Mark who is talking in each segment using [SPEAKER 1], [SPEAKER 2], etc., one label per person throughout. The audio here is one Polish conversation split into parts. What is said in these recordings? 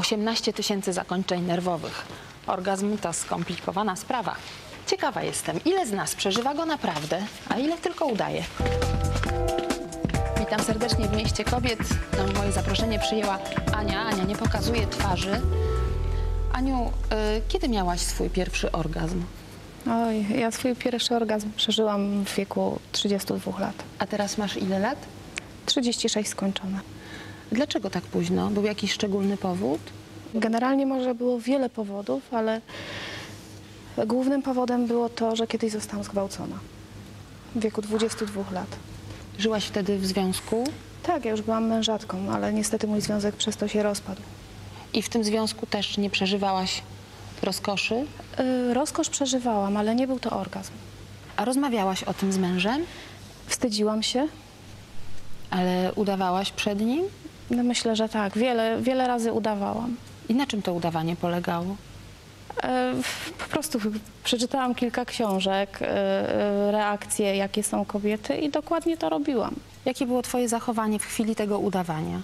[SPEAKER 1] 18 000 zakończeń nerwowych. Orgazm to skomplikowana sprawa. Ciekawa jestem, ile z nas przeżywa go naprawdę, a ile tylko udaje. Witam serdecznie w Mieście Kobiet. Moje zaproszenie przyjęła Ania. Ania nie pokazuje twarzy. Aniu, kiedy miałaś swój pierwszy orgazm?
[SPEAKER 2] Oj, ja swój pierwszy orgazm przeżyłam w wieku 32 lat.
[SPEAKER 1] A teraz masz ile lat?
[SPEAKER 2] 36 skończone.
[SPEAKER 1] Dlaczego tak późno? Był jakiś szczególny powód?
[SPEAKER 2] Generalnie może było wiele powodów, ale głównym powodem było to, że kiedyś zostałam zgwałcona w wieku 22 lat.
[SPEAKER 1] Żyłaś wtedy w związku?
[SPEAKER 2] Tak, ja już byłam mężatką, ale niestety mój związek przez to się rozpadł.
[SPEAKER 1] I w tym związku też nie przeżywałaś rozkoszy?
[SPEAKER 2] Rozkosz przeżywałam, ale nie był to orgazm.
[SPEAKER 1] A rozmawiałaś o tym z mężem?
[SPEAKER 2] Wstydziłam się.
[SPEAKER 1] Ale udawałaś przed nim?
[SPEAKER 2] No myślę, że tak. Wiele razy udawałam.
[SPEAKER 1] I na czym to udawanie polegało?
[SPEAKER 2] Po prostu przeczytałam kilka książek, reakcje, jakie są kobiety i dokładnie to robiłam.
[SPEAKER 1] Jakie było twoje zachowanie w chwili tego udawania?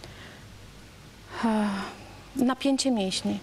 [SPEAKER 2] Napięcie mięśni.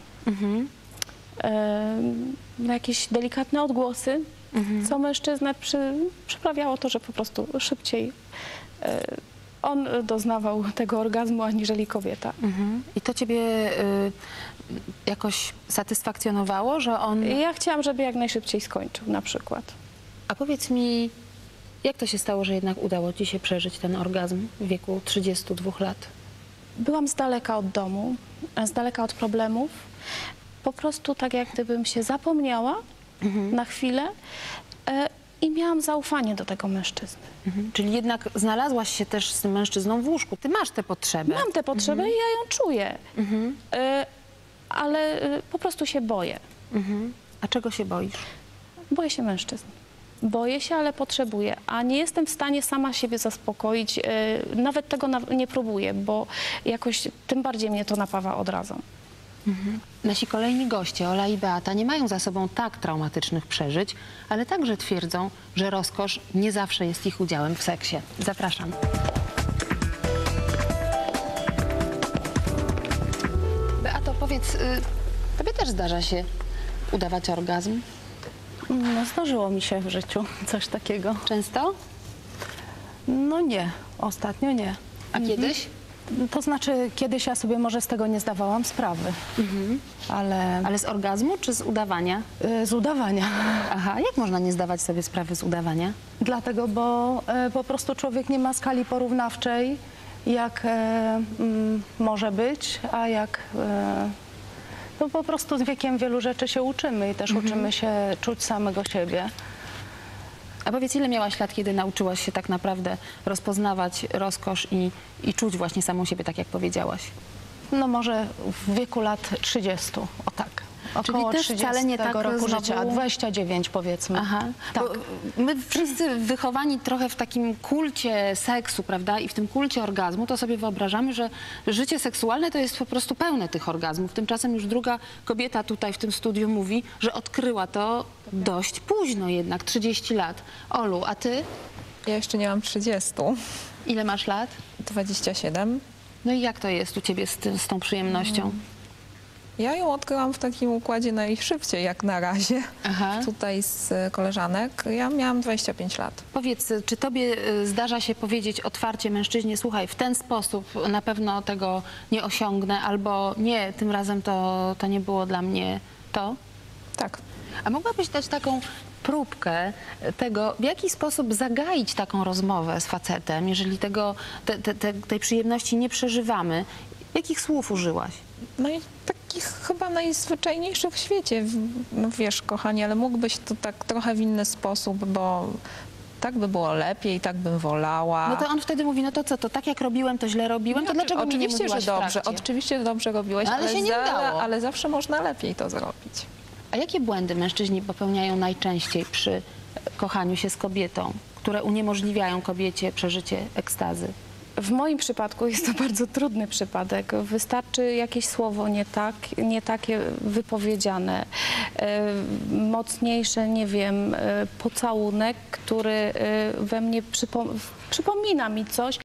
[SPEAKER 2] Jakieś delikatne odgłosy, co mężczyznę przyprawiało to, że po prostu szybciej on doznawał tego orgazmu, aniżeli kobieta.
[SPEAKER 1] I to ciebie jakoś satysfakcjonowało, że on...
[SPEAKER 2] Ja chciałam, żeby jak najszybciej skończył na przykład.
[SPEAKER 1] A powiedz mi, jak to się stało, że jednak udało ci się przeżyć ten orgazm w wieku 32 lat?
[SPEAKER 2] Byłam z daleka od domu, z daleka od problemów. Po prostu tak jak gdybym się zapomniała na chwilę i miałam zaufanie do tego mężczyzny.
[SPEAKER 1] Czyli jednak znalazłaś się też z tym mężczyzną w łóżku. Ty masz tę potrzebę.
[SPEAKER 2] Mam tę potrzebę i ja ją czuję, ale po prostu się boję.
[SPEAKER 1] A czego się boisz?
[SPEAKER 2] Boję się mężczyzn. Boję się, ale potrzebuję, a nie jestem w stanie sama siebie zaspokoić. Nawet tego nie próbuję, bo jakoś tym bardziej mnie to napawa odrazą.
[SPEAKER 1] Nasi kolejni goście, Ola i Beata, nie mają za sobą tak traumatycznych przeżyć, ale także twierdzą, że rozkosz nie zawsze jest ich udziałem w seksie. Zapraszam. Beato, powiedz, tobie też zdarza się udawać orgazm?
[SPEAKER 3] No, zdarzyło mi się w życiu coś takiego.
[SPEAKER 1] Często?
[SPEAKER 3] No nie, ostatnio nie.
[SPEAKER 1] A kiedyś?
[SPEAKER 3] To znaczy, kiedyś ja sobie może z tego nie zdawałam sprawy, ale
[SPEAKER 1] Ale z orgazmu czy z udawania?
[SPEAKER 3] z udawania.
[SPEAKER 1] Aha, jak można nie zdawać sobie sprawy z udawania?
[SPEAKER 3] Dlatego, bo po prostu człowiek nie ma skali porównawczej, jak może być, a jak... no po prostu z wiekiem wielu rzeczy się uczymy i też uczymy się czuć samego siebie.
[SPEAKER 1] A powiedz, ile miałaś lat, kiedy nauczyłaś się tak naprawdę rozpoznawać rozkosz i czuć właśnie samą siebie, tak jak powiedziałaś?
[SPEAKER 3] No może w wieku lat 30, o tak. Około
[SPEAKER 1] też
[SPEAKER 3] 30
[SPEAKER 1] wcale nie tak
[SPEAKER 3] roku
[SPEAKER 1] znowu...
[SPEAKER 3] życia, 29 powiedzmy.
[SPEAKER 1] Aha,
[SPEAKER 3] tak.
[SPEAKER 1] Bo my wszyscy wychowani trochę w takim kulcie seksu, prawda, i w tym kulcie orgazmu, to sobie wyobrażamy, że życie seksualne to jest po prostu pełne tych orgazmów. Tymczasem już druga kobieta tutaj w tym studiu mówi, że odkryła to dość późno jednak, 30 lat. Olu, a ty?
[SPEAKER 4] Ja jeszcze nie mam 30,
[SPEAKER 1] Ile masz lat?
[SPEAKER 4] 27.
[SPEAKER 1] No i jak to jest u ciebie z tą przyjemnością?
[SPEAKER 4] Ja ją odkryłam w takim układzie najszybciej jak na razie.
[SPEAKER 1] Aha.
[SPEAKER 4] Tutaj z koleżanek. Ja miałam 25 lat.
[SPEAKER 1] Powiedz, czy tobie zdarza się powiedzieć otwarcie mężczyźnie, słuchaj, w ten sposób na pewno tego nie osiągnę, albo nie, tym razem to nie było dla mnie to?
[SPEAKER 4] Tak.
[SPEAKER 1] A mogłabyś dać taką próbkę tego, w jaki sposób zagaić taką rozmowę z facetem, jeżeli tej przyjemności nie przeżywamy? Jakich słów użyłaś?
[SPEAKER 4] No i takich chyba najzwyczajniejszych w świecie. No wiesz, kochanie, ale mógłbyś to tak trochę w inny sposób, bo tak by było lepiej, tak bym wolała.
[SPEAKER 1] No to on wtedy mówi, no to co, to tak jak robiłem, to źle robiłem, to dlaczego mi nie
[SPEAKER 4] oczywiście,
[SPEAKER 1] mówiłaś
[SPEAKER 4] że dobrze,
[SPEAKER 1] w trakcie?
[SPEAKER 4] oczywiście dobrze robiłeś,
[SPEAKER 1] Ale się nie udało.
[SPEAKER 4] ale zawsze można lepiej to zrobić.
[SPEAKER 1] A jakie błędy mężczyźni popełniają najczęściej przy kochaniu się z kobietą, które uniemożliwiają kobiecie przeżycie ekstazy?
[SPEAKER 2] W moim przypadku jest to bardzo trudny przypadek. Wystarczy jakieś słowo nie takie wypowiedziane, mocniejsze, nie wiem, pocałunek, który we mnie przypomina mi coś.